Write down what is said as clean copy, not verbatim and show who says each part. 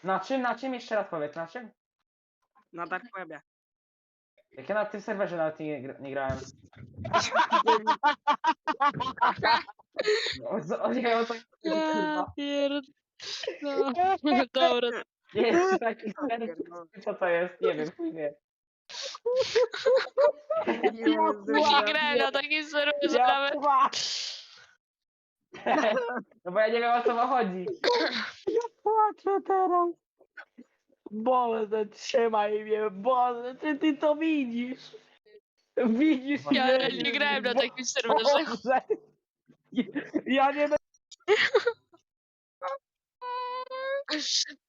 Speaker 1: Na czym? Jeszcze raz powiedz, na czym?
Speaker 2: Na Dark Webie.
Speaker 1: Jak ja na tym serwerze nawet nie grałem. Nie, o to kurwa.
Speaker 3: No, dobra.
Speaker 1: Jest taki serwer, co to jest? Nie wiem, chuj wie.
Speaker 3: Nie grałem na takim serwerze
Speaker 1: Ja
Speaker 3: nawet.
Speaker 1: No bo ja nie wiem, o co wam chodzi.
Speaker 4: Płaczę teraz. Boże, trzymaj mnie, Boże, czy ty to widzisz? Widzisz,
Speaker 3: Ja
Speaker 4: że-
Speaker 3: nie grałem na takim serwerze.
Speaker 4: Boże. Ja nie będę...